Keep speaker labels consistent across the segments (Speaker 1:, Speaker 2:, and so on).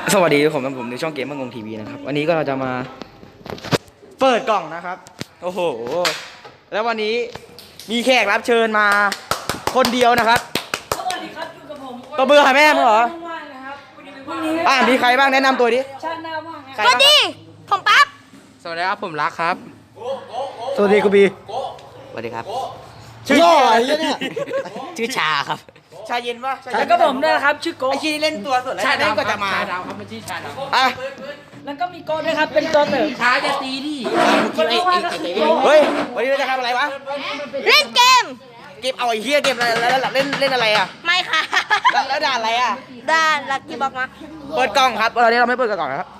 Speaker 1: สวัสดีผมในช่องเกมมังงงทีวีนะครับวันนี้ก็เราจะมาเปิดกล่องนะครับโอ้โหแล้ววันนี้มีแขกรับเชิญมาคนเดียวนะครับ
Speaker 2: สวัสดีครับอยู่กับผม
Speaker 1: ตัวเบื่อแม่มึงเหรอ
Speaker 2: ว่างนะครับ
Speaker 1: มีใครบ้างแนะนำตัวดิ
Speaker 2: ชาติหน้าว่าง
Speaker 3: สวัสดีผมปั๊บ
Speaker 4: สวัสดีครับผมรักครับ
Speaker 1: สวัสดีกูบี
Speaker 4: สวัสดีครับ
Speaker 1: ชื่ออะไรเนี่ย
Speaker 4: ชื่อชาครับ
Speaker 1: ชาเย็นปะ
Speaker 2: แล้วก็ผมด้วยนะครับชื่อโก้
Speaker 1: ไอชีเล่นตัวสุดแล้วชาดำก็จะมา
Speaker 4: ชาดำครับมันชื่อชาดำ
Speaker 1: อ่ะ
Speaker 2: แล้วก็มีโก้ด้วยครับเป็นตัวเติม
Speaker 4: ชาจะตีดิ
Speaker 1: เฮ้ยวันนี้เราจะทำอะไรวะ
Speaker 3: เล่นเกม
Speaker 1: เก็บเอาไอ้เหี้ยเก็บอะไรแล้วเล่นอะไรอ่ะ
Speaker 3: ไม่ค่ะ
Speaker 1: แล้วด่าอะไรอ่ะ
Speaker 3: ด้านลักกี้บอกมา
Speaker 1: เปิดกล่องครับตอนนี้เราไม่เปิดกล่องครับ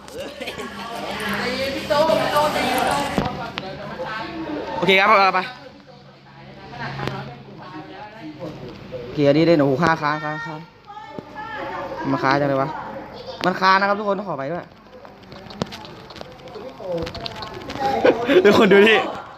Speaker 1: โอเคครับไปเกียร์นี่เล่นโอ้โหค้างมาค้าจังเลยวะมันค้านะครับทุกคนต้องขอไปด้วยทุกคนดูดิ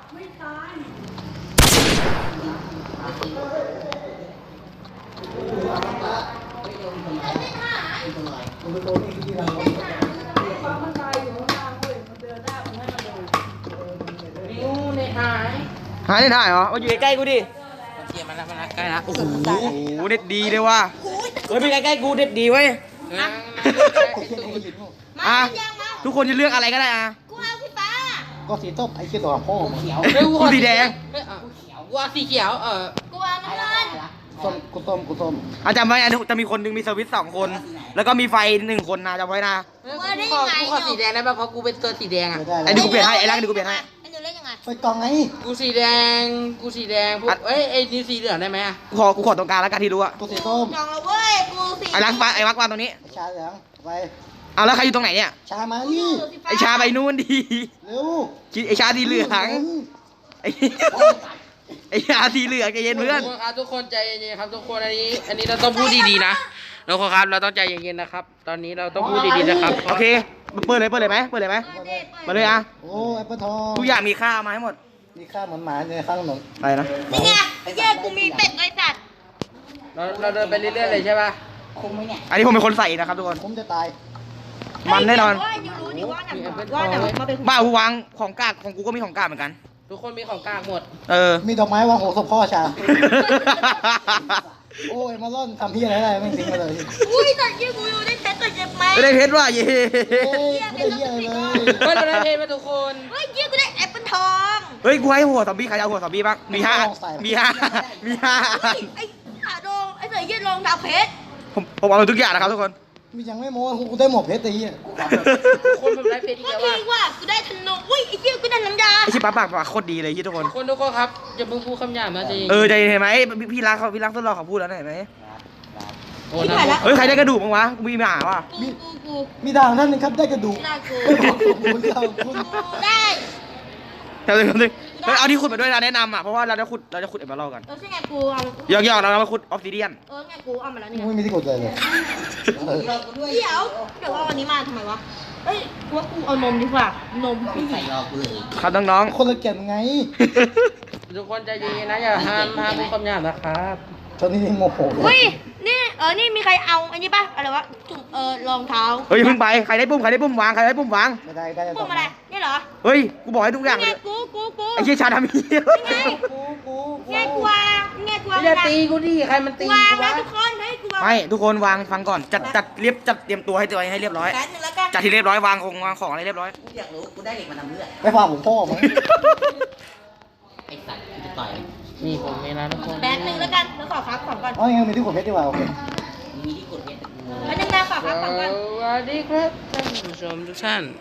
Speaker 1: หายได้เหรอมาอยู่ใกล้ๆกูดิ
Speaker 4: เกียร์มันใกล้ละโอ้โห
Speaker 1: เด็ดดีเลยว่ะเฮ้ยไปใกล้ๆกูเด็ดดีเว้ยอ่ะทุกคนจะเลือกอะไรก็ได้อ่ะ
Speaker 3: กูเอาสีฟ้า
Speaker 5: ก็สีส้มไอ้เขียวตัวพ่อเขียว
Speaker 1: กูสีแดง
Speaker 4: กูสีเขียว
Speaker 3: กูเอาน้ำเงิน
Speaker 5: กูส้ม
Speaker 1: จำไว้นะจะมีคนนึงมีสวิตช์2 คนแล้วก็มีไฟ1 คนนะจำไว้นะ
Speaker 4: กูขอสีแดงได้ป่ะเพราะกูเป็นตัวสีแดงอ่ะ
Speaker 1: ไอ้ดูกูเปลี่ยนให้ไอ้รักดูกูเปลี่ยนให้
Speaker 3: ไอ้หนูเล่นยังไง
Speaker 5: ไปกองไง
Speaker 4: กูสีแดงพวกไอ้นี่สีเหลืองได้ไหมอ่ะ
Speaker 1: กูขอตรงกลางแล้วกันที่รู้อ่ะ
Speaker 5: กูสีส้ม
Speaker 3: จองแล้วเว้ยกูสี
Speaker 1: ไอ้รักวางตรงนี้
Speaker 5: ชาเหลืองไป
Speaker 1: เอาแล้วใครอยู่ตรงไหนเนี่ย
Speaker 5: ชามานี่
Speaker 1: ไอ้ชาไปนู่นดี
Speaker 5: เร็ว
Speaker 1: ไอ้ชาสีเหลืองไอ้ชาสีเหลืองใจเย็นเพื่อน
Speaker 4: ทุกคนใจเย็นๆครับทุกคนอันนี้เราต้องพูดดีๆนะทุกคนครับเราต้องใจเย็นๆนะครับตอนนี้เราต้องพูดดีๆนะครับ
Speaker 1: โอเคเปิดเลยไหมมาเลยอ่ะ
Speaker 5: โอ้แอปเปิลทอง
Speaker 1: ทุกอย่างมีค่ามาให้หมด
Speaker 5: มีค่าเหมือนหมาในข้างถนน
Speaker 1: อะไรนะ
Speaker 3: นี่ไงแย่กูมีเป็ดไอ้สัตว์
Speaker 4: เราเดินไปเรื่อยๆเลยใช่ป่ะ
Speaker 5: คมไหมเนี่ย
Speaker 1: อันนี้ผมเป็นคนใส่นะครับทุกคน
Speaker 5: ผมจะตาย
Speaker 1: มันแน่นอนบ้ากูวางของกากของกูก็มีของกากเหมือนกัน
Speaker 4: ทุกคนมีของกากหมด
Speaker 5: มีดอกไม้วางหัวศพพ่อชาโอ้ยมาล่อนทำที่อะไรไม่ทิ้งมาเลย
Speaker 3: อุ้ยแต่ยี่กูอยู่ได้เพชรตัวเจ็บไหม
Speaker 1: ไม่ได้เพชรว่ะเย่
Speaker 5: ไม่ได้เยี่ยเลย
Speaker 4: เราได้เพชรมาทุกคน
Speaker 3: เฮ้ยยี่กูได้แอปเปิลทอง
Speaker 1: เฮ้ยกูให้หัวซอมบี้ใครเอาหัวซอมบี้บ้างมี5
Speaker 3: ไอ้ขาดองไอ้เสือยืดรองดาวเพชร
Speaker 1: ผมเอาทุกอย่างนะครับทุกคน
Speaker 5: มียังไม่โม้กูได้หมวกเพชรตี
Speaker 4: คนผมได้เพชรอีกแล้ว
Speaker 3: ว่ากูได้ธนูอุ้ยไอ้เหี้ยกูได้น้ำยา
Speaker 1: ไอ้ชิปปากโคตรดีเลยทุกคน
Speaker 4: ครับอย่าเพิ่งพูดคำหยาบนะจริง
Speaker 1: ใจเห็นไหมพี่รักทดลองเขาพูดแล้วเห็นไหม
Speaker 3: เฮ้
Speaker 1: ยใครได้กระดูกบ้างวะกูมีหมาว่ะ
Speaker 5: มีทางท่านนึงครับได้กระดูก
Speaker 3: ได้
Speaker 1: เอาที่ขุดมาด้วยนะแนะนำอ่ะเพราะว่าเราจะขุดเอ็มเบอร์กัน
Speaker 3: ใช่ไงกูเอา
Speaker 1: ยอกเรามาขุดออฟซิเดียน
Speaker 3: ไงกูเอามาแล้วนี่
Speaker 5: ไม่มีที่ขุดเลย
Speaker 3: เดี๋ยวเอาอันนี้มาทำไมวะเฮ้ยกูว่ากูเอานมดีกว่านมพี่ใส่รอกูเลย
Speaker 1: ครับน้อง
Speaker 5: คนละเกียรไง
Speaker 4: ทุกคนใจเย็นนะอย่าห้ามพูดคำหยาบนะครับ
Speaker 5: ตอนนี้โมโห
Speaker 3: เฮ้ยนี่มีใครเอาอันนี้ป่ะอะไรวะจุ่มรองเท้า
Speaker 1: เฮ้ยเพิ่งไปใครได้ปุ่มวาง
Speaker 5: ไม่ได้
Speaker 3: ปุ่มอะไรนี่เหรอ
Speaker 1: เฮ้ยกูบอกให้ทุกอย่างเลย
Speaker 3: กู
Speaker 1: ไอ้เชี่ยชาดำ
Speaker 3: นี่ไงกูวาง
Speaker 4: อย่าตีกูดิใครมันตี
Speaker 3: วางนะทุกคนให้กูวาง
Speaker 1: ไม่ทุกคนวางฟังก่อนจัดเตรียมตัวให้เรียบร้อยจัดที่เรียบร้อยวางของอะไรเรียบร้อย
Speaker 4: อยากรู้กูได้เหล็กมาทำเลือด
Speaker 5: ไปฟังผมพ่อมั้ง
Speaker 4: ไอ้สัตว์กูจะต่อยนี่ผมเองนะทุกคน
Speaker 3: แป๊บนึงแล้วกันแล้วขอครับของก่อน
Speaker 5: อ๋อยังมีที่ขุดเพชรดีกว่าโอเค
Speaker 4: มีที่ขุดเพชร
Speaker 3: แล้วนึงนะขอครับของก่อน
Speaker 4: สวัสดีครับท่านผู้ชมทุกท่าน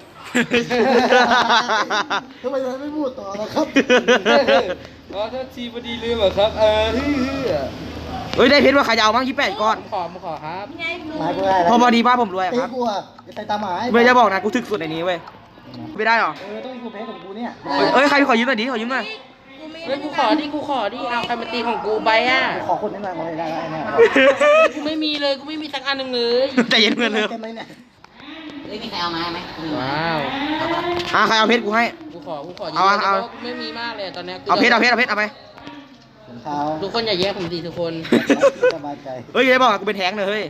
Speaker 5: ทำไมไม่พูดต่อล่ะครับ
Speaker 4: ถ้าทีพอดีลืมเหรอครับ
Speaker 1: เฮ้ยได้เพชรว่าใครจะเอาบ้าง28 ก้อน
Speaker 4: ขอครับ
Speaker 5: ไม้กูได้
Speaker 1: พอดีป้าผมรวยครับ
Speaker 5: กูอ่ะจะใส่ตาหมา
Speaker 1: ไม่จะบอกนะกูถึกสุดในนี้เว้ยไม่ได้หรอ
Speaker 5: ต้องมีขุดเพชรของกูเนี่ย
Speaker 1: เฮ้ยใครขอยืมหน่อยดิขอยืมหน่อย
Speaker 4: เฮ้ยกูขอดิเอาใครมาตีของกูไปอ่ะ
Speaker 5: ขอคนนี้หน่อยมาเลยได้เนี่ย
Speaker 4: กูไม่มีเลยกูไม่มีสักอันหนึ่งเลย
Speaker 1: ใจเย็นเพื่อนเลย
Speaker 4: มีใครเอามาไหมว้าว
Speaker 1: ใครเอาเพชรกูให้
Speaker 4: กูขอ
Speaker 1: เอา
Speaker 4: ไม่มีมากเลยตอนนี้
Speaker 1: เอาเพชรเอาไป
Speaker 5: เท้า
Speaker 4: ทุกคนอย่าแย่ผมดีทุกคน
Speaker 5: สบายใจ
Speaker 1: เฮ้ยอย่าบอกกูเป็นแท้งเลยเฮ้ย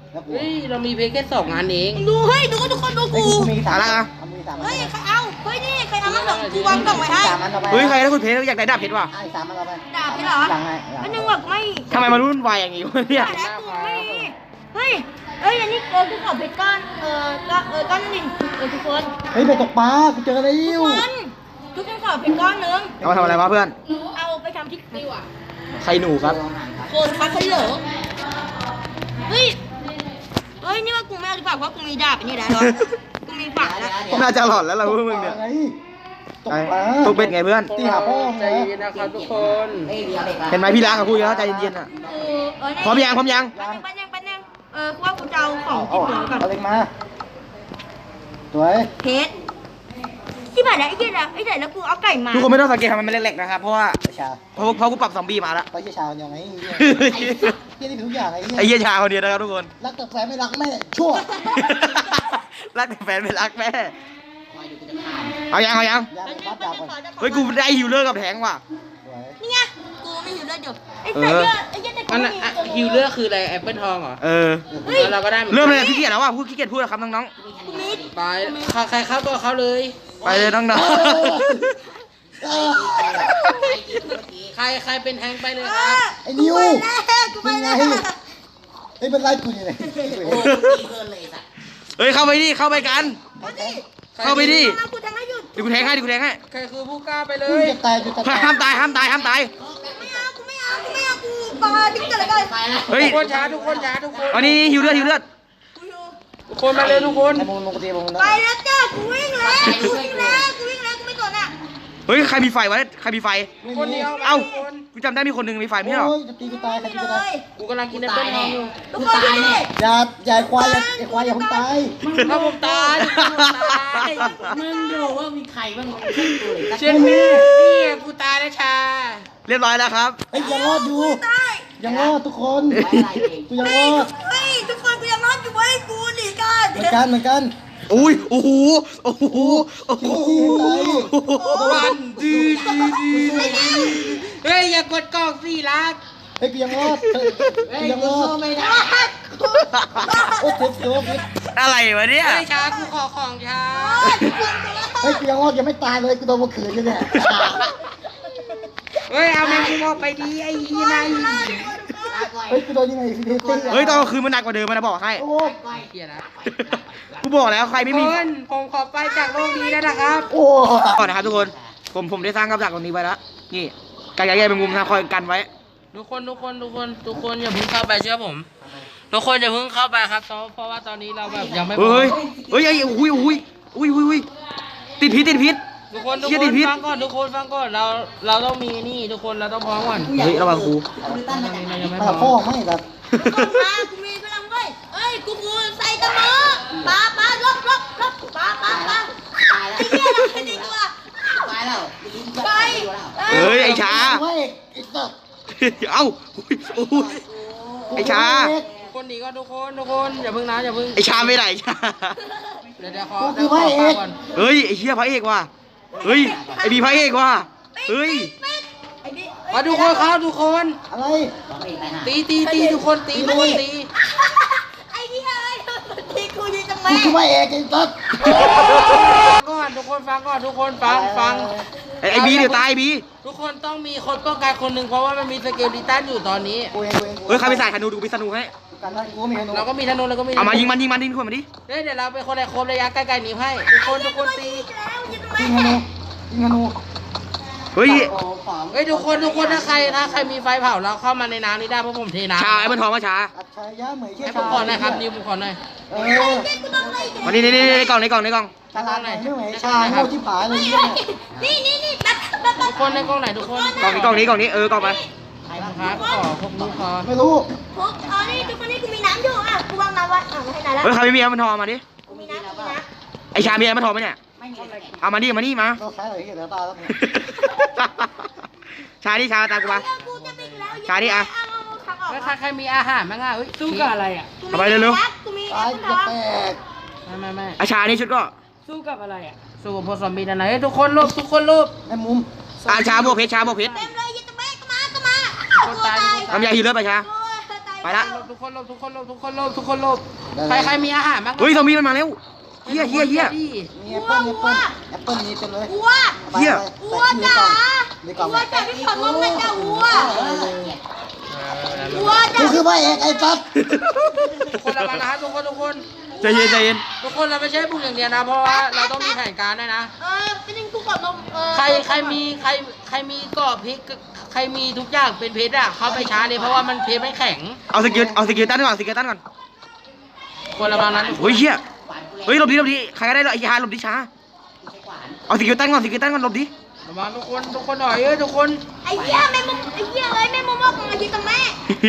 Speaker 5: แล้วกู
Speaker 4: เฮ้ยเรามีเพลงแค่2 งานเอง
Speaker 3: ดูเฮ้ยดูทุกคนดู
Speaker 5: ไอ้
Speaker 3: กู
Speaker 5: กูมีสาม
Speaker 1: อะไรอ่ะ
Speaker 5: เอามือสามอัน
Speaker 3: เฮ้ยใครเอาเฮ้ยนี่ใครเอามาส่งกูวางกล่องไว้ให้
Speaker 5: สามอันเอาไป
Speaker 1: เฮ้ยใครได้คุณเพชรอยากได้ดาบเพชรว่ะ
Speaker 5: ไอ้สามอันเอาไป
Speaker 3: ด่าพี่เหรอ
Speaker 5: หลังไงหลัง
Speaker 3: อันนึงแบบไม่
Speaker 1: ทำไมมารุ่นวายอย่างงี้วะเนี่ย
Speaker 3: ด่าแล้วกูไม่เฮ้ยอันนี้กูขอเพชรก้อนก้อนหนึ่งทุกคน
Speaker 5: เฮ้ยไปตกปลากูเจอแล้ว
Speaker 3: ทุกคนขอเพชรก้อนนึง
Speaker 1: เอามาทำอะไรวะเพื่อน
Speaker 3: เอาไปทำที่ติวอ่ะ
Speaker 1: ใครหนูครับ
Speaker 3: โคนคัสเหลอเฮ้ยนี่ว่ากูไม่เอาดีกว่าเพราะกูมีดาบอันนี้แล้วกูมีฝาแล้ว
Speaker 1: น่าจะหลอนแล้วล่ะพวกมึงเนี่ย
Speaker 5: ไงตกปลา
Speaker 1: ตกเป็ดไงเพื่อน
Speaker 5: ตีหาพ่อ
Speaker 4: ใจเย็นนะครับทุกคน
Speaker 1: เห็นไหมพี่ล้างกับพูดแล้วใจเย็นๆอ่ะ พร้อมยังพร้อมยัง
Speaker 3: แป๊บนึงกูว่ากูจะเอาของที่เหลือก่อน
Speaker 5: เอาเล็กมาสวย
Speaker 3: เพชรที่ผ่านแล้วไอ้เหี้ยนะไอ้ไหนแล้วกูเอาไก่มา
Speaker 1: ทุกคนไม่ต้องสังเกตทำไมมันเล็กๆนะครับ เพราะว่า
Speaker 5: ไอ้ชา
Speaker 1: เพราะกูปรับซอมบี้มาแล้ว
Speaker 5: ไปเชี่ยชาเดียวไงเฮียนี่เป็นทุกอย่างไอ้
Speaker 1: ไอ้
Speaker 5: เฮีย
Speaker 1: เหี้ยชาคนเดียวนะครับทุกคน
Speaker 5: รักแต่แฟนไม่รักแม่ชั่ว
Speaker 1: รักแต่แฟนไม่รักแม่ เอายัง
Speaker 5: ยาเลยครับดาบก่อน
Speaker 1: เฮ้ยกูได้ฮิวเลอร์กับแทงว่ะ
Speaker 5: สวย
Speaker 3: นี่ไงกูไม่หิวเลือดอยู่ไอ้ใส่เลือดไอ้เหี้ยแต่กู
Speaker 4: มัน
Speaker 3: ไม่มี
Speaker 4: ฮิวเลอร์คืออะไรแอปเปิลทองเหรอ
Speaker 1: เออ
Speaker 4: แล้วเราก็ได้หอนกัน
Speaker 1: เริ่มเลยขี้เกียจแล้วว่ะพูดขี้เกียจพูดแล้วครับน้อง
Speaker 3: กูมี
Speaker 4: ไปใครเข้าก็เข้าเลย
Speaker 1: ๆ ไปเลยน้อง
Speaker 4: ใครเป็นแทงไปเลยครับ
Speaker 5: ไอ้นิว
Speaker 3: กูไป
Speaker 5: นี่ไง
Speaker 3: แล้ว
Speaker 5: ไอ้เป็นไรกูอยู่ไหน
Speaker 1: ๆ เฮ้ยเข้าไปดิเข้าไปกัน เข้าไปดิ
Speaker 3: กูทำให้หยุด
Speaker 1: เดี๋ยวกูแทงให้
Speaker 4: ใครคือผู้กล้าไปเล
Speaker 5: กู
Speaker 4: ย
Speaker 5: จะตายจะตาย
Speaker 1: ห้ามตาย
Speaker 3: ไม่เอากูปาทิ้งกันเลยกัน
Speaker 1: เฮ้ย
Speaker 4: ทุกคนช้าทุกคนช้าทุกคน
Speaker 1: อันนี้ฮิวเลือด
Speaker 3: กูอยู่
Speaker 4: ทุกคนมาเลยทุกคน
Speaker 5: ไอ้มึงลงตีมึง
Speaker 3: ไปแล้วจ้ากูวิ่งแล้วกูไม่สนอ่ะ
Speaker 1: เฮ้ยใครมีไฟวะใครมีไฟ
Speaker 4: ทุกคนเดียว
Speaker 1: เอ้า
Speaker 4: ทุกคน
Speaker 1: กูจำได้มีคนหนึ่งมีไฟไม่ใช่เหรอ
Speaker 5: โอ้ยจะตีกูตายใคร
Speaker 3: ไป
Speaker 5: จะ
Speaker 3: เล
Speaker 5: ตาย
Speaker 3: ย
Speaker 4: กูกำลังกินแอปเปิลทองอยู่
Speaker 3: ทุกคนช่วยด้วย
Speaker 5: อย่าควายอย่าควายอย่าเพิ่งตาย
Speaker 4: ถ้าผมตายผมตาย
Speaker 2: มึงดูว่ามีใครบ้าง
Speaker 4: เช่นนี้นี่กูตายแล้วชา
Speaker 1: เรียบร้อยแล้วครับ
Speaker 5: เฮ้ยยังรอดอยู่
Speaker 3: ตาย
Speaker 5: ยังรอดทุกคนกูยังรอด
Speaker 3: เฮ้ยทุกคนกูยังรอดอยู่เว้ยกูหนีกัน
Speaker 5: เหมือนกัน
Speaker 1: อุ้ยโอ้โห
Speaker 4: วันดีเฮ้ยอย่ากดกล้องสิรัก
Speaker 5: เฮ้ยกูยังรอดกูยังรอด
Speaker 4: ไม่ได้
Speaker 5: โอ้เจ็บเจ็บ
Speaker 1: อะไรวะเนี่ย
Speaker 4: เฮ้ยชากูขอของชา
Speaker 5: เฮ้ยกูยังรอดยังไม่ตายเลยกูโดนมาขืนอยู่เนี่ย
Speaker 4: เฮ้ยเอาแมงมุมออกไปดีไอ้ยีนาย
Speaker 5: เฮ้ยกูโดนยังไงฟิลิปปินส์
Speaker 1: เฮ้ยตอนกลางคืนมันหนักกว่าเดิมมันนะบอกให้
Speaker 5: โอ้
Speaker 4: เฮียนะ
Speaker 1: กูบอกแล้วใครไม่มี
Speaker 4: คนผมขอไปจากโลกนี้แล้วนะครับ
Speaker 5: โอ้
Speaker 1: ก่อนนะครับทุกคนผมได้สร้างกับดักตรงนี้ไว้แล้วนี่การย้ายเป็นมุมนะคอยกันไว้
Speaker 4: ทุกคนอย่าเพิ่งเข้าไปเชื่อผมทุกคนอย่าเพิ่งเข้าไปครับเพราะว่าตอนนี้เราแบบยังไม่
Speaker 1: เฮ้ยไอ้อุ้ยติดพิษ
Speaker 4: ทุกคน
Speaker 1: เชี่ยติดพิษ
Speaker 4: ฟังก่อนทุกคนฟังก่อนเราต้องมีนี่ทุกคนเราต้องพร้อมก่อน
Speaker 1: เฮ้ยระวังครู
Speaker 4: เรายังไม่
Speaker 5: มา
Speaker 4: พร้
Speaker 5: พ่อ
Speaker 4: อม
Speaker 5: ไม่แบบ
Speaker 3: กูมีพลังเว้ยเอ้ยกูใส่ตะมอปาลบปาไอ้เหี้ยเราเป็นตัวไป
Speaker 1: เฮ้ยไอ้ช้า
Speaker 5: ไม่ไอ้สัตว์
Speaker 1: เอ้าไอ้ช้า
Speaker 4: ทุกคนหนีก่อนทุกคนอย่าเพิ่งนะอย่าเพิ่ง
Speaker 1: ไอ้ช้าไม่ไหนช้า
Speaker 4: เดี๋ยวขอฟังก่อน
Speaker 1: เฮ้ยไอ้เชี่ยพระเอกว่ะเฮ้ยไอ้บีพระเอกว่ะเฮ้ย
Speaker 4: มาทุกคนครับทุกคน
Speaker 5: อะไร
Speaker 4: ตีทุกคนตี
Speaker 3: ไอ้เหี้ยที่กูยิงทำไม
Speaker 5: กูคือพระเอกไอ้สัตว์
Speaker 4: ก่อนทุกคนฟังก่อนทุกคนฟัง
Speaker 1: ไอ้บีเดี๋ยวตายบี
Speaker 4: ทุกคนต้องมีคนป้องกันคนหนึ่งเพราะว่ามันมีสเกลลิตันอยู่ตอนนี้
Speaker 5: กูเอง
Speaker 1: เฮ้ยใครไปใส่ธนูดูไปธนูให้
Speaker 5: กันได้กูมีธนู
Speaker 4: เราก็มีธนูเราก็มี
Speaker 1: เอามายิงมันดิคนมาดิ
Speaker 4: เดี๋ยวเราเป็นคนในโคมระยะใกล้ๆหนีให้ทุกคนตี
Speaker 5: ยิงธนูยิงธนู
Speaker 1: เฮ้ย
Speaker 4: เฮ้ยทุกคนถ้าใครมีไฟเผาเราเข้ามาในน้ำนี้ได้เพราะผมเทน้ำ
Speaker 1: ชาไอ้มันทองมาชา
Speaker 5: อัจฉริยะเหมยเชี่ย
Speaker 4: ให้ผมขอหน่อยครับนิวผมขอหน่อย
Speaker 5: เออ
Speaker 1: มานี่ในกล่อง
Speaker 5: ฉลาดไหนไม่เหมยชาโง่ที่ผายเลยเนี่ย
Speaker 3: นี่แป๊บ
Speaker 4: ทุกคนในกล้องไหนทุกคน
Speaker 1: กล่องนี้กล่องนี้กล่องนี้กล่องไป
Speaker 4: ครับขอพวกลูกคอ
Speaker 5: ไม่รู้
Speaker 3: ทุกนี่ทุกคนนี่กูมีน้ำอยู่อ่ะกูวางน้ำไว้ไม่ให้น้ำแล้ว
Speaker 1: เฮ้ยใครไม่มีไอ้มันทองมาดิ
Speaker 3: กูมีน้ำ
Speaker 1: ไอ้ชามีไอ้มันทองไหมเนี่ยเอามานี่มา
Speaker 5: เราใช้อะไรที่เหลือตาแล้ว
Speaker 1: ชาดิชาตามกูมา
Speaker 3: กูจะไปแล้ว
Speaker 1: ชาดิอะ
Speaker 4: แล้วใครมีอาหารบ้างอ่ะเฮ้ย
Speaker 2: สู้กับอะไรอ่ะ
Speaker 3: กูมี
Speaker 5: ตายจะแตก
Speaker 4: ไม่
Speaker 1: ไอ้ชานี่ชุดก็
Speaker 2: สู้กับอะไรอ่ะ
Speaker 4: สู้กับพวกซอมบี้นั่นไหนทุกคนรูป
Speaker 5: ไอ้มุม
Speaker 1: ชาบวกเพชร
Speaker 3: เต็มเลยยันตะเมฆก็มา
Speaker 4: คนตาย
Speaker 1: ทำยาฮีเลอร์ไปชา
Speaker 3: ตาย
Speaker 1: ไปละ
Speaker 4: ทุกคนหลบทุกคนหลบทุกคนหลบทุกคนหลบใครมีอาหารบ้าง
Speaker 1: เฮ้ยซอมบี้มันมาแล้วเฮีย
Speaker 5: มีแอปเปิ้ลแอปเปิ้ลมีเต็มเลย
Speaker 3: วัว
Speaker 1: เฮีย
Speaker 3: วัวจ๋าวัวจ๋าพี่ขอร้องเลยจ้าวัววัว
Speaker 5: กู
Speaker 3: จ๋า
Speaker 5: คือพระเอกไอ้สัส
Speaker 4: ทุกคนระวังนะครับทุกคน
Speaker 1: ใจเย็นใจเย็น
Speaker 4: ทุกคนเราไม่ใช่บุกอย่างเดียวนะเพราะว่าเราต้องมีแผนการด้วยนะ
Speaker 3: พี่นิ่งกูขอลม
Speaker 4: ใครมีเกาะพริกใครมีทุกอย่างเป็นเพชรอะเข้าไปช้าเลยเพราะว่ามันเพชรไม่แข็ง
Speaker 1: เอาสกิลตันก่อนสกิลตันก่อน
Speaker 4: คนระวังนั้น
Speaker 1: เฮ้ยเฮียเฮ้ยหลบดิใครก็ได้ไอ้ยาหลบดิช้าเอาสกิลตันก่อนหลบดิ
Speaker 4: ระวังทุกคนหน่อยทุกคน
Speaker 3: ไอ้เหี้ยแม่มุมไอ้เหี้ยเลยแม่มุมบอกมาที่ตรงแม่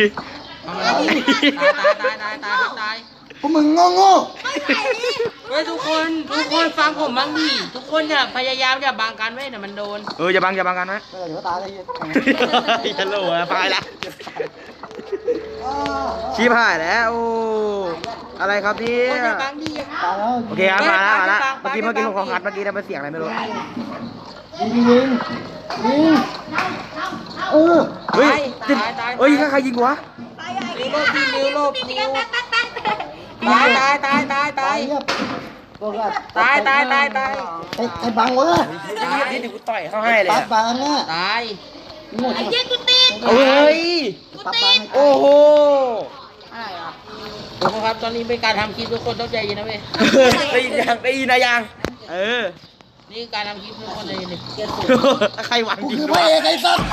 Speaker 4: ตาย
Speaker 5: พวกมึงโง่
Speaker 4: เฮ้ยทุกคนฟังผมบ้างดิทุกคนอย่าพยายามอย่าบังกันไว้เดี๋ยวมันโดน
Speaker 1: อย่าบังกันนะ
Speaker 5: เดี๋ยวตายเลย
Speaker 1: ฮัลโหลไปละชีพหายแล้วโอ้อะไรครับเนี่
Speaker 4: คน
Speaker 1: ย
Speaker 4: อย่าบังดิ
Speaker 5: ตายแล้ว
Speaker 1: โอเคครับมาแล้วเมื่อกี้ผมของคัดเมื่อกี้ได้เป็นเสียงอะไรไม่รู้
Speaker 5: ยิง
Speaker 1: เฮ้ยเฮ้ยใครยิงวะ
Speaker 4: นิ้วลบนิ้วตาย
Speaker 5: เงียบตัวก็
Speaker 4: ตาย
Speaker 5: ไอ้บังวะ
Speaker 1: นี่เดี๋ยวกูต่อยเขาให้เลย
Speaker 5: ปัดบังเนี่ย
Speaker 4: ตาย
Speaker 5: งด
Speaker 3: ไอ้เหี้ยกูติด
Speaker 1: เฮ้ย
Speaker 5: ปัดบัง
Speaker 1: โอ้โห
Speaker 4: ทุกคนครับตอนนี้เป็นการทำคลิปทุกคนต้องใจเย็นนะเว้ย
Speaker 1: ได้ยินนะยัง
Speaker 4: นี่การทำคลิปทุกคนใจเย็นดิ
Speaker 1: ใครหวัง
Speaker 5: กู
Speaker 1: จริง
Speaker 5: คือพระเอกไอ้สัส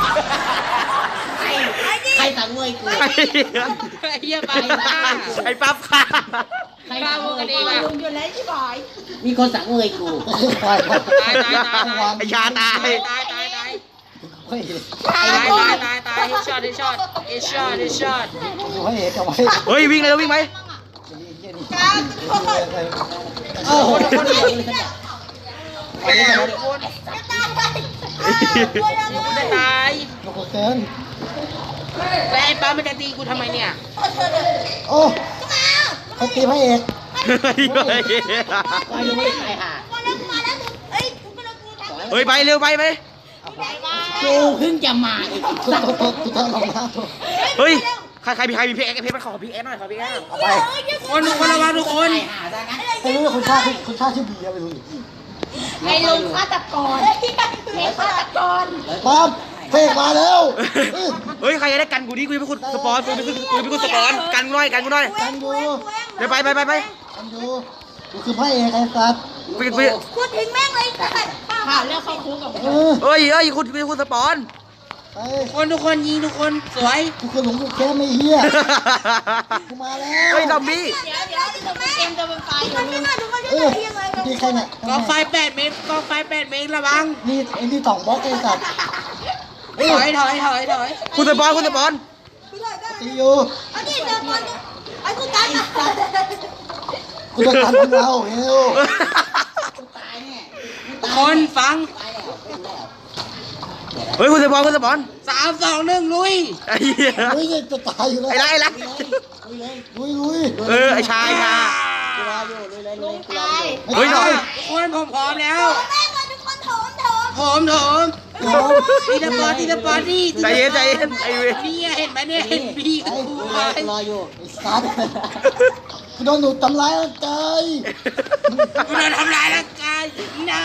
Speaker 3: ใครสั่งมวยกู
Speaker 4: เฮียไปบ้า
Speaker 1: ไอ้ปั๊บค่ะ
Speaker 4: ใครบ้าพวกกันเองอะ
Speaker 3: ลุงอยู่แล้วใช่ไหม
Speaker 2: มีคนสั่งเลยกู
Speaker 5: ตาย
Speaker 1: ไอ้ชาตาย
Speaker 4: ตาย
Speaker 5: พระเอก
Speaker 4: เฮดช็อต
Speaker 5: พระเอกเอาไว้
Speaker 1: เฮ้ยวิ่งเลยวิ่งไหม
Speaker 5: โอ้โห
Speaker 4: คนจะตาย
Speaker 5: โอ้โหเกิน
Speaker 4: แล้วไอ้ป้ามันจะตีกูทำไมเนี่ย
Speaker 5: โอ้เขาตีพระเอก
Speaker 2: ว่ายังไม่ได้ใครหา
Speaker 1: เฮ้ยไปเร็วไป
Speaker 2: กูเพิ่งจะมาอีก
Speaker 5: กูต้องลงมาตัว
Speaker 1: เฮ้ยใครมีเพชรมันขอพีเอสหน่อยขอพีเอส
Speaker 5: เอาไป
Speaker 4: คนระวังทุกคน
Speaker 2: หาซะงั้น
Speaker 5: ไม่รู้ว่าคุณชาชื่อบีอะไรไม่รู้
Speaker 3: ไอ้ลุงฆาตกรไอ้ฆาตกร
Speaker 5: ปั๊บเพกมาแล้ว
Speaker 1: เฮ้ยใครจะได้กันกูดิกูจะเป็นคนสปอนกูเป็นคนสปอนกันกูหน่อย
Speaker 5: กันอยู่
Speaker 1: เดี๋ยวไป
Speaker 5: กันอยู่กูคือพระเอกไอ้สัตว์
Speaker 3: พูดถึงแม่งเลย
Speaker 2: ผ่านแล้วเข้าคุกกับ
Speaker 1: เฮ้ยคุณเป็นคนสปอน
Speaker 5: ไป
Speaker 4: ทุกคนยิงทุกคนสวย
Speaker 5: กูคือหลงกูแค่ไม่เหี้ยกูมาแล้ว
Speaker 1: เฮ้ยซอมบี้
Speaker 3: เดี๋ยวเกมจะเป็นไฟทุกคนช่วยหน่อยทุกคนช่วยหน่อยยังไง
Speaker 5: นี่ใครเนี่ย
Speaker 4: กองไฟ8 เมตรระวัง
Speaker 5: นี่ไอ้นี่2บล็อกไอ้สัตว์
Speaker 4: ถอย
Speaker 1: คุณสปอน
Speaker 5: ตีอยู่
Speaker 3: เอาดิเดี๋ยวก่อนไอ้กูตัน
Speaker 5: กูจะกันของเราเฮล
Speaker 4: คนฟัง
Speaker 1: เฮ้ยคุณสปอน
Speaker 4: 3 2 1ลุย
Speaker 1: ไอ้เหี้ย
Speaker 5: เฮ้ยจะตายอยู่แล้ว
Speaker 1: ไอ้ละ
Speaker 5: ลุย
Speaker 1: ไอ้ชายค่ะ
Speaker 3: ลุงตาย
Speaker 1: เฮ้ยหน่อย
Speaker 4: คนผมพร้อมแล้ว
Speaker 3: แม่ก่อนทุกคนโถม
Speaker 4: ทีละปอดนี่
Speaker 1: ใจเย็นไอ้เว้ย
Speaker 4: นี่เห็นไหมเนี่ยเห็นพี่กับกูไหม
Speaker 5: ไอ้สัตว์กูโดนหนูทำร้ายร่างกาย
Speaker 4: กูโดนทำร้ายร่างกาย no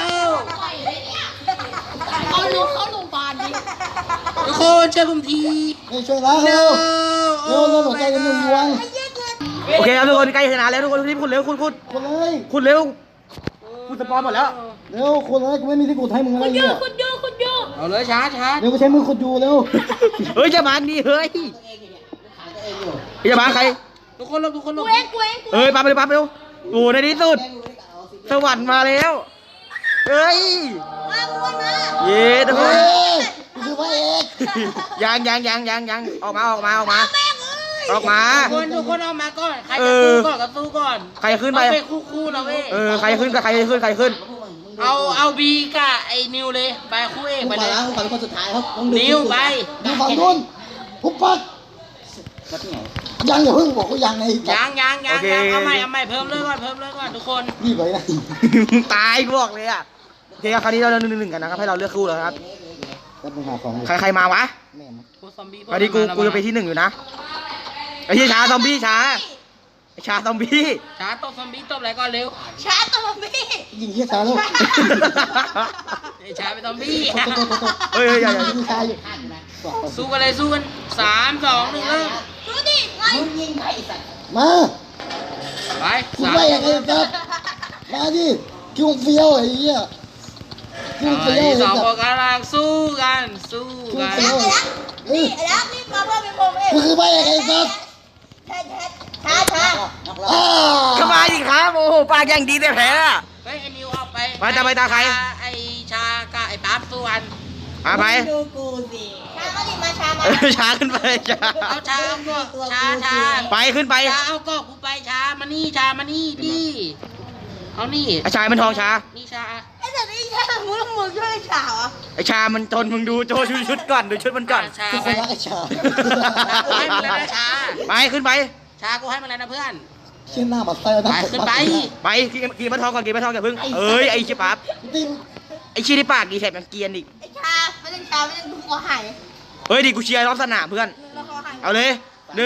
Speaker 3: เอาลุงเข้าโรงพยาบาลดิ
Speaker 4: ทุกคนช่วยผมที
Speaker 5: ไม่ช่วยแล้วเร็วหัวใจกันหนึ่งดวง
Speaker 1: โอเคครับทุกคนใกล้ชนะแล้วทุกคนรีบคุณเร็วคุณ
Speaker 5: คนเลย
Speaker 1: เร็วคุณสปอนหมดแล้ว
Speaker 5: เร็วคนเลยกูไม่มีที่กูให้มึงอะไรเนี่ย
Speaker 3: คุณยู
Speaker 4: เอาเลยช้า
Speaker 5: เร็วกูใช้มือขุดอยู่เร็ว
Speaker 1: เฮ้ยจะมาดิเฮ้ยจะมาใคร
Speaker 4: ทุกคนลบ
Speaker 3: กูเอง
Speaker 1: เฮ้ยปั๊บเร็วโอ้ในที่สุดสวรรค์มาแล้วเฮ้ย
Speaker 3: มาบุญมา
Speaker 1: เย้ทุกค
Speaker 5: เฮ้
Speaker 1: น
Speaker 5: ยกูคือพระเอก
Speaker 1: ยังออกมา
Speaker 3: แม่งเอ้ย
Speaker 1: ออกมา
Speaker 4: ทุกคนออกมาก่อนใครจะสู้ก่อนก็สู้ก่อน
Speaker 1: ใครขึ้นไป
Speaker 4: เอาไปคู่นะเว้ย
Speaker 1: ใครขึ้น
Speaker 4: เอาบีกับไอ้นิวเลยไปคู่เอกไปเลย
Speaker 2: ขอเป็นคนสุดท้ายครับ
Speaker 4: นิวไป
Speaker 5: ดูฝั่งนู้นปุ๊บปั๊บยังอย่าเพิ่งบอกกูยังไง
Speaker 4: ยังเอาใหม่เพิ่มเลยก่อนทุกคน
Speaker 5: รีบไปนะ
Speaker 1: ตายกูบอกเลยอ่ะโอเคคราวนี้เรา1-1กันนะครับให้เราเลือกคู่แล้วครับ
Speaker 5: แป๊บนึงหาของ
Speaker 1: ใครมาวะ
Speaker 5: แม่
Speaker 4: คู่ซอมบี้
Speaker 1: คราวนี้กูจะไปที่1อยู่นะไอ้เหี้ยช้าซอมบี้ช้าไอ้ช้าซอมบี้
Speaker 4: ช้าตบซอมบี้ตบอะไรก่อนเร็ว
Speaker 3: ช้าตัวพี่
Speaker 5: ยิงเฮียช้าแล้ว
Speaker 4: ไอ้ช้าเป็นซอมบี้
Speaker 1: เฮ้ยอย่า
Speaker 5: ยิงช้าอยู่
Speaker 4: สู้กันเลยสู้กัน3 2 1เริ่ม
Speaker 3: ดูดิไง
Speaker 2: มึงยิงใครไอ้สัตว์
Speaker 5: มา
Speaker 4: ไป
Speaker 5: กูไปยังไงครับมาดิคิวเฟี้ยวไอ้เหี้ยคิวเฟี้ยว
Speaker 4: ที่
Speaker 5: ไอ้
Speaker 4: สอง
Speaker 5: สั
Speaker 4: ค
Speaker 5: ต
Speaker 4: น
Speaker 5: ว์
Speaker 4: กำลังสู้กันสู้กัน
Speaker 3: ไอ้รักนี่ไอ้รักนี่มาเพื่อเป็นผมเอง
Speaker 5: กูคือไปยังไงครับ
Speaker 3: ช้า
Speaker 5: อ้า
Speaker 1: เข้ามาดิครับโอ้โหปากอย่างดีแต่แพ้อะ
Speaker 4: เฮ้ยไอ้นิวออกไป
Speaker 1: ไปตาใคร
Speaker 4: ไอ้ชากับไอ้ปั๊บสู้กัน
Speaker 1: มาไป
Speaker 2: ดูกูสิ
Speaker 3: ช้ามาดิมาช้ามา
Speaker 1: ช้าขึ้นไปช้า
Speaker 4: เอาชาเอาก็ชา
Speaker 1: ไปขึ้นไป
Speaker 4: ชาเอาก็กูไปชามานี่ชามานี่ดิเอานี่
Speaker 1: ไอ้ชายมันทองช้า
Speaker 4: นี่ชา
Speaker 3: ไอ้สัตว์นี่ช้ามึงช่วยช้าเหรอ
Speaker 1: ไอ้ชามันทนมึงดูโจชุดก่อนดูชุดมันก่อน
Speaker 4: ชา
Speaker 5: ทุกค
Speaker 4: ไป
Speaker 5: นรักไอ้ชา
Speaker 4: กูให้มึงแล้วนะชา
Speaker 1: ไปขึ้นไป
Speaker 4: ชากูให้มึงแล้วนะเพื่อน
Speaker 5: เชี่ยหน้าบัดไส้นะ
Speaker 4: ไปขึ้นไป
Speaker 1: ไปกินมันทองก่อนกินมันทองอย่าเพิ่งเอ้ยไอ้ชิปั๊บ
Speaker 5: ติม
Speaker 1: ไอ้ชี้ที่ปากดีแถบมันเกรียนอีก
Speaker 3: ไอ้ช้าไม่ต้องช้าไม่ต้องดูคอหาย
Speaker 1: เฮ้ยดิกูเชียร์รอบสนามเพื่อน
Speaker 3: แล้วคอหาย
Speaker 1: เอาเลย1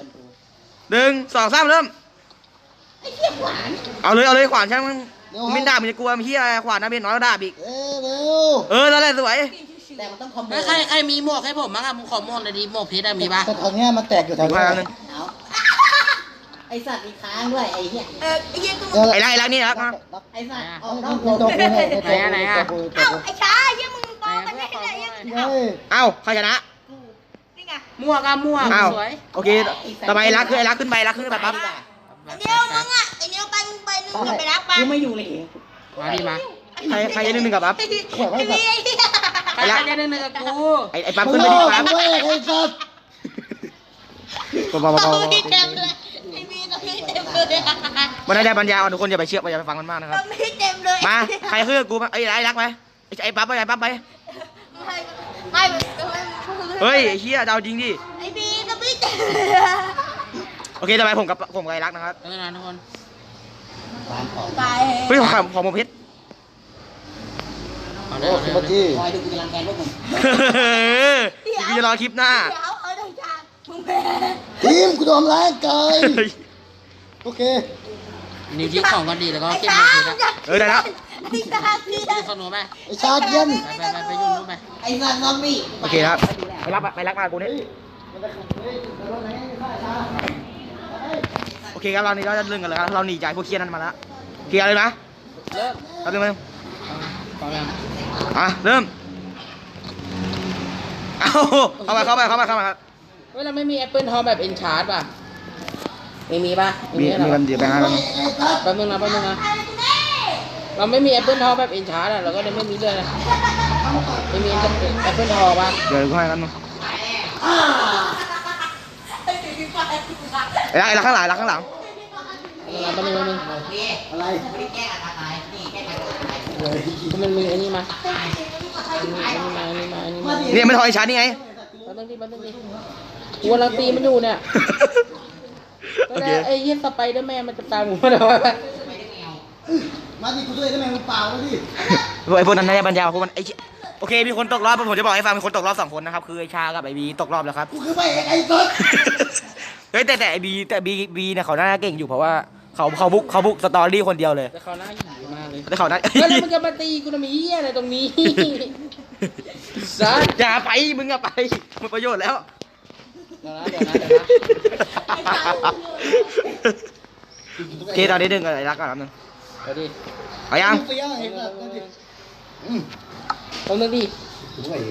Speaker 1: 2 3เริ่ม
Speaker 3: ไอ้เหี้ยหวาน
Speaker 1: เอาเลยขวานช่างมันมินด่ามึงจะกลัวมึงเฮียอะไรขวานนะเบนน้อยแล้วด่าอีก
Speaker 5: เร็ว
Speaker 1: นั่นแหละสวย
Speaker 2: แต่มันต้องคอมโบ
Speaker 4: แล้วใครมีหมวกให้ผมบ้างอะมึงขอหมวกหน่อยดิหมวกเพชรอะมีปะ
Speaker 5: แต่ตอนเนี้ยมันแตกอยู่แถว
Speaker 1: อีก
Speaker 5: นี้
Speaker 1: พันนึง
Speaker 2: เอาไอ้สัตว์มีค้างด้วยไอ้เหี้ย
Speaker 3: ไอ้เหี้ยกู
Speaker 5: เดี๋ยว
Speaker 1: ไอ้รักนี่รักนะ
Speaker 2: ไอ้สัตว์อ
Speaker 5: เอา
Speaker 2: อกน
Speaker 5: ต้
Speaker 2: อ
Speaker 5: อง
Speaker 2: ก
Speaker 5: ตัวกูเนี่ยตัวกู
Speaker 3: เอ้าไอ้ช้าไอ้เหี้ยมึงปอกันได้ไงไอ้
Speaker 5: เฮ้ย
Speaker 1: เอ้าใครชนะ
Speaker 3: นี่ไง
Speaker 4: หมวกอะหมวก
Speaker 1: เอ้า
Speaker 4: สวย
Speaker 1: โอเคต่อไปรักคือไอ้รักขึ้นไปรักขึ้นไปปั๊บ
Speaker 3: ไอ้เนี้ยมึงอ่ะไอ้เนี้ยไปมึงกลับไปรักไป
Speaker 2: กูไม่อยู่เลย
Speaker 4: มาดิมา
Speaker 1: ใครจะ1-1กับปั๊บ
Speaker 3: ไอ้พี่ไอ้เหี้ย
Speaker 4: ใครจะได้หนึ่งกับกู
Speaker 1: ไอ้ปั๊บ
Speaker 5: มึ
Speaker 1: ขึ้
Speaker 5: ง
Speaker 1: นไป
Speaker 5: โง่
Speaker 1: ดิปั๊บ
Speaker 5: มึงเว้ยไอ้สัตว์
Speaker 1: เบา
Speaker 3: ตรงนี้เต็มเลยไอ้พี่ตรงนี้เต็มเลย
Speaker 1: มันได้ปัญญาอ่อนทุกคนอย่าไปเชื่ออย่าไปฟังมันมากนะค
Speaker 3: ต
Speaker 1: รั
Speaker 3: ร
Speaker 1: บ
Speaker 3: งนี้เต็มเลย
Speaker 1: มาใครขึ้นกับกูไอ้รักไปไอ้ปั๊บไปไอ้ปั๊บไป
Speaker 3: ไม่
Speaker 1: เฮ้ยไอ้เฮียเดาจริงดิ
Speaker 3: ไอ้พี่ตรงนี้เต็ม
Speaker 1: โอเคต่อไปผมกับไอ้รักนะครับ
Speaker 4: เออนะทุกคน
Speaker 3: ไป
Speaker 1: เฮ้ยของผมเพชร
Speaker 4: เอา
Speaker 5: โอ้
Speaker 4: เร็ว
Speaker 5: สุภจี
Speaker 2: คอยดูกูจะรังแกพวกมึง
Speaker 1: กูจะรอคลิปหน้า
Speaker 3: เดี๋ยวเอาหน่อยจ้ามึงแพ้
Speaker 5: ทีมกูโดนแรงเกยโอเค
Speaker 4: นิ้วชี้ของกันดีแล้วก็
Speaker 3: ไอ้
Speaker 4: เก็บ
Speaker 3: ช้า
Speaker 4: มือถือนะ
Speaker 1: เออได้แล้ว
Speaker 3: ไอ้ช้าพี่
Speaker 4: ไปขนมไป
Speaker 5: ไอ้ชาเย็น
Speaker 4: ไปยุ่งนู้นไป
Speaker 2: ไอ้สัตว์ซอมบี้
Speaker 1: โอเคครับไปรักมากูนี่โอเคครับเรานี่เราจะเรื่องกันเลยครับเราหนีจากพวกเคียนั้นมาแล้วเคลียร์เลยนะ
Speaker 4: เริ่ม
Speaker 1: ครับนึง
Speaker 4: พร้อมยัง
Speaker 1: เริ่มเข้ามาครับ
Speaker 4: เฮ้ยเราไม่มีแอปเปิลทองแบบเอ็นชาร์ดป่ะไม่มีป่ะ
Speaker 1: มี
Speaker 4: เหรอ
Speaker 1: กันเดี๋ยวไปหากัน
Speaker 4: แป๊บนึงนะเราไม่มีแอปเปิลทองแบบเอ็นชาร์ดอะเราก็เลยไม่มีเลยนะไม่มีแอปเปิลทองป่ะ
Speaker 1: เดี๋ยวกูให้กันมั้งไอ้รักข้างหลังรักข้างหลัง
Speaker 4: แป๊บนึง
Speaker 5: อะไร
Speaker 4: มันมีอันนี้มาอันนี้มา
Speaker 1: เนี่ยไม่ทอยชาร์จนี่ไง
Speaker 4: แป๊บนึงดิกูกำลังตีมันอยู่เนี่ย
Speaker 1: โอเค
Speaker 4: ไอ้เหี้ยสไปเดอร์แมนมันจะตามผมมาได้ไหม
Speaker 5: มาดิกูช่วยได้ไหมมึงเปล่าแล้วดิ
Speaker 1: ไอ้พวกนั้นน่าจะบรรยายพวกมันโอเคมีคนตกรอบผมจะบอกให้ฟังมีคนตกรอบ2 คนนะครับคือไอ้ชากับไอ้บีตกรอบแล้วครับ
Speaker 5: กูคือไปไอ้สัตว์
Speaker 1: เฮ้ยแต่ไอ้บีเนี่ยเขาน่าเก่งอยู่เพราะว่าเขาบุกสตอรี่คนเดียวเลย
Speaker 4: แต่เขาหน้าหยีมากเลย
Speaker 1: แต่เขาน่า
Speaker 4: แล้วมันจะมาตีกูทำไมเหี้ยอะไรตรงนี้ซัด
Speaker 1: อย่าไปมึงอะไปหมดประโยชน์แล้ว
Speaker 4: เดี๋ยวนะ
Speaker 1: โอเคตอนนี้ดึงอะไรรักก่อนครับนึง
Speaker 4: เดี๋ยวดิ
Speaker 1: เอายัง
Speaker 5: เฟี้ยวไอ้สัตว์นั่นดิ
Speaker 4: ตรงนึงดิ
Speaker 5: โอ้ย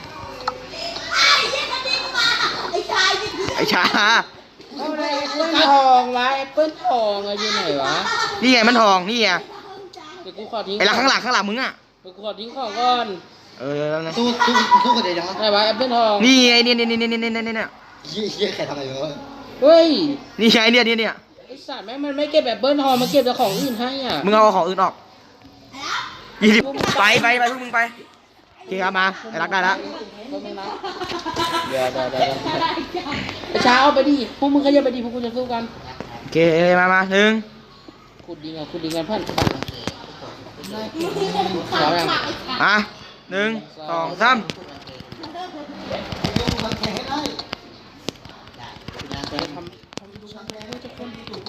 Speaker 3: ไอ้ชายนี่
Speaker 1: ไอ้ชา
Speaker 4: เอาอะไรแอปเปิลทองวะแอปเปิลทองอะอยู่ไหนวะ
Speaker 1: นี่ไงมันทองนี่ไง
Speaker 4: เดี๋ยวกูขอทิ้ง
Speaker 1: ไอ้รักข้างหลังมึงอะ
Speaker 4: เดี๋ยวกูขอทิ้งของก่อน
Speaker 1: แล้วนะ
Speaker 5: สู้กันเดี๋ยวจังวะ
Speaker 4: ไหนวะแอปเปิลทอง
Speaker 1: นี่ไงเนี่ย
Speaker 5: เฮียใครทำอะไรอยู่วะ
Speaker 4: เฮ้ย
Speaker 1: นี่ไงเนี่ย
Speaker 4: ไอ้สัตว์แม่งมันไม่เก็บแอปเปิลทองมาเก็บแต่ของอื่นให้อ่ะ
Speaker 1: มึงเอาของอื่นออก20ไปพวกมึงไปโอเคครับมาไอ้รักได้แล้ว
Speaker 4: เดี๋ยวไอ้ช้าเอาไปดิพวกมึงขยับไปดิพวกกูจะสู้กัน
Speaker 1: โอเคมา
Speaker 4: ขุดดิงกันเพื่อนพร้อมยัง
Speaker 1: 1 2 3
Speaker 4: ทำดูทุกคน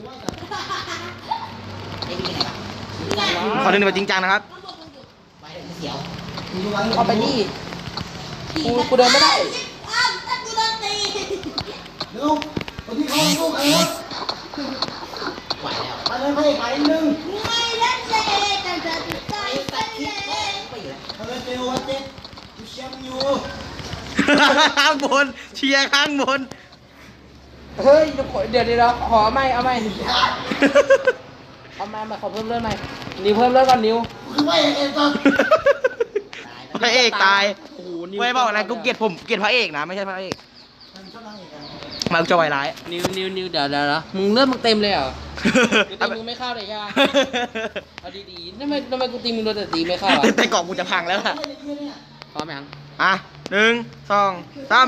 Speaker 2: ไอ้นี่ไงวะ
Speaker 1: ขอหนึ่งแบบจริงจังนะครับ
Speaker 2: ไปเสียว
Speaker 4: เอาไปดิกูเดินไม่ได้
Speaker 3: อ้าวถ้ากูโดนตี
Speaker 5: เร็วไปที่เขาลูกเออ
Speaker 2: ไหวแล้ว
Speaker 5: ไปเลยพระเอกไปอีกหนึ่ง
Speaker 3: ไม่เล่นเลยแต่จะใจเป็นเลย
Speaker 2: ไปอยู่แล้ว
Speaker 5: ไปเลยเจลวันเจ็ดกูเชียร์มึงอยู่
Speaker 1: ข้างบนเชียร์ข้างบน
Speaker 4: เฮ้ยเดี๋ยวขอไม่เอาไม่เอามาขอเพิ่มเลือดใหม่นิวเพิ่มเลือดก่อนนิว
Speaker 5: กูคือพระเอกเองตอน
Speaker 1: พระเอกตาย
Speaker 4: โอ้โหนิว
Speaker 1: ไม่บอกนะกูเกลียดผมเกลียดพระเอกนะไม่ใช่พระเอกมากูจะไวร้าย
Speaker 4: นิวเดี๋ยวมึงเลือดมึงเต็มเลยเหรอกูตีมึงไม่เข้าเลยใช่ไหมเอาดีๆทำไมกูตีมึงโดนแต่ตีไม่เข้าอ่ะ
Speaker 1: แต่กล่องกูจะพังแล้วอะ
Speaker 4: พร้อมยัง
Speaker 1: อ่ะ1 2 3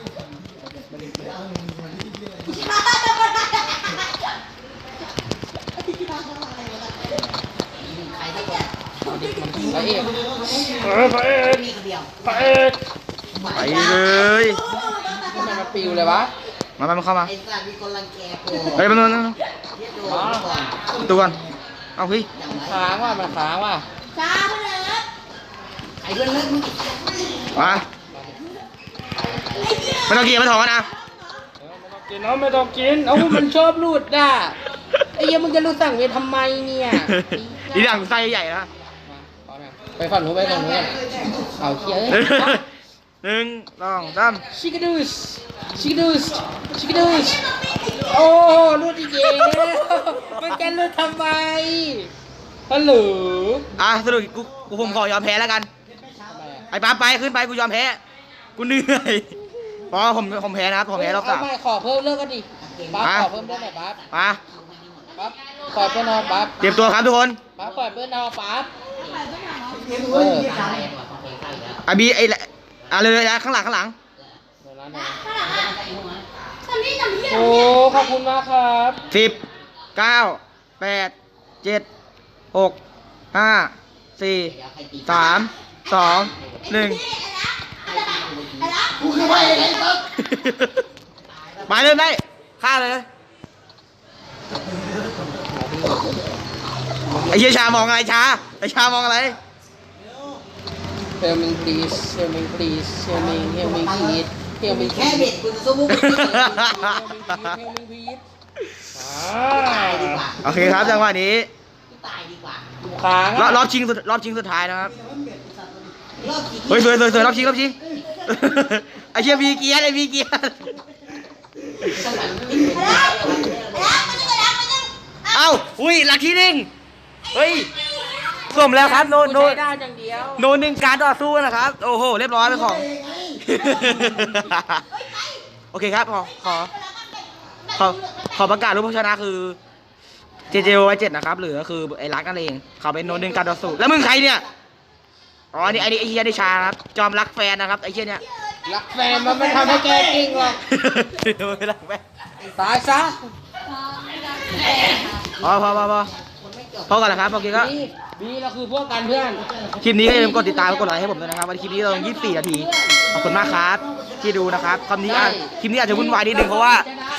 Speaker 2: ใครสักคน
Speaker 4: พระเอก
Speaker 2: มีคนเดียว
Speaker 1: ไปเลย
Speaker 4: ทำไมมันปิวเลยวะ
Speaker 1: มาเข้ามา
Speaker 2: ไอ้สัตว์มีคนรังแกกู
Speaker 1: เฮ้ยมา
Speaker 2: เรียกโดนก่อน
Speaker 1: ตัวก่อนเอาพี่
Speaker 2: อย่างไร
Speaker 4: ค้างว่ะมันค้างว่ะ
Speaker 3: ช้าไปเลย
Speaker 2: ไอ้เพื่อนเลิกมึง
Speaker 1: มาไม่ต้องเกลียดไม่ถอนนะ
Speaker 4: กินเอาไม่ต้องกินเอามันชอบรูดด่ะไอ้ยังมึงจะรูดสั่งเวททำไมเนี่ย
Speaker 1: อีหลังไส้ใหญ่นะ
Speaker 4: ไปฝั่งนู้นเอาเคี้ย
Speaker 1: 1 2 3
Speaker 4: ชิคดูสโอ้รูดอีกแล้วมันจะรูดทำไมฮัลโหล
Speaker 1: อ่ะสรุปกูผมขอยอมแพ้แล้วกัน ไอ้ป๊าไปขึ้นไปกูยอมแพ้ กูเหนื่อยเพราะผมแพ้นะครับผมแพ้รอบ
Speaker 4: เอา
Speaker 1: 3
Speaker 4: ไม่ขอเพิ่มเลิกกันดิป๊า
Speaker 1: อ่ะ
Speaker 4: ขอเพิ่มเลิกหน่อยป๊า
Speaker 1: มา
Speaker 4: ปล่อยเพื่อนนอนป๊า
Speaker 1: เตรียมตัวครับทุกคน
Speaker 4: ป๊าปล่อยเพื่อนนอนป๊า
Speaker 5: เฮ้ย
Speaker 2: ตายกว่าของเพลงข้าวอยู่แล้ว
Speaker 1: ไอ้บีไอ้เลยนะข้างหลัง
Speaker 3: ข้างหลังอ่ะทำนี่ทำนี่
Speaker 4: โอ้ขอบคุณมากครับ
Speaker 1: 10 9 8 7 6 5 4 3 2 1
Speaker 5: กูคือพระเอกเองตอน
Speaker 1: มาเริ่มได้ฆ่าเลยไอ้เหี้ยชามองอะไรช้าไอ้ชามองอะไร
Speaker 4: Help me please Help me please Help me please Help me
Speaker 2: แค่
Speaker 4: please
Speaker 2: เบ็ดกูจะสู้พวกมึง
Speaker 4: Help me please
Speaker 2: ตายดีกว่า
Speaker 1: โอเคครับจังหวะนี้
Speaker 2: ตายดีกว่า
Speaker 4: ค้าง
Speaker 1: รอบชิงสุดท้ายนะครับ
Speaker 2: รอบกี่
Speaker 1: เฮ้ยสวยรอบชิงไอ้เชี่ยมีเกียร์ไอ้มีเกียร์
Speaker 2: สมัยมึงติด
Speaker 1: เอ้าอุ้ยหลักที่หนึ่งเฮ้ยสมแล้วครับโน
Speaker 4: กูใช้ได้อย่างเดียว
Speaker 1: โนหนึ่งการต่อสู้นะครับโอ้โหเรียบร้อยไปของ โอเคครับขอประกาศรูปผู้ชนะคือ JJ7 นะครับหรือก็คือไอ้รักนั่นเองเขาเป็นโนหนึ่งการต่อสู้แล้วมึงใครเนี่ยอ๋อนี่ไอ้เฮียได้ชาครับจอมรักแฟนนะครับไอ้เฮียเนี่ย
Speaker 4: รักแฟนมันไม่ทำให้แกเก่งหรอก
Speaker 1: ไม่รักแฟน
Speaker 4: ตายซะ
Speaker 1: พอก่อนนะครับโอเคก็
Speaker 4: บีเราคือพวกกันเพื่อน
Speaker 1: คลิปนี้ก็อย่าลืมกดติดตามกดไลค์ให้ผมด้วยนะครับวันคลิปนี้เราลง24 นาทีขอบคุณมากครับที่ดูนะครับคลิปนี้อาจจะวุ่นวายนิดนึงเพราะว่า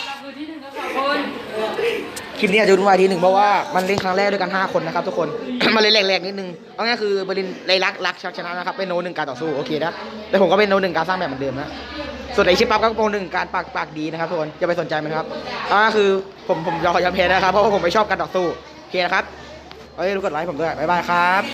Speaker 1: คลิปนี้อาจจะวุ่นวายนิดนึงเพราะว่ามันเล่นครั้งแรกด้วยกัน5 คนนะครับทุกคน มันเลยแหลกๆนิดนึงเอาง่ายคือเบอร์ลินเลยรักชักชนะนะครับเป็นโนหนึ่งการต่อสู้โอเคนะแต่ผมก็เป็นโนหนึ่งการสร้างแบบเหมือนเดิมนะส่วนไอชิปปั๊บก็โนหนึ่งการปากดีนะครับทุกคนอย่าไปสนใจมันครับเอาง่ายคือผมยอมแพ้นะครับเพราะว่าผมไม่ชอบการต่อสู้โอเคนะครับเอ้ยรู้กดไลค์ผมด้วยบ๊ายบายครับ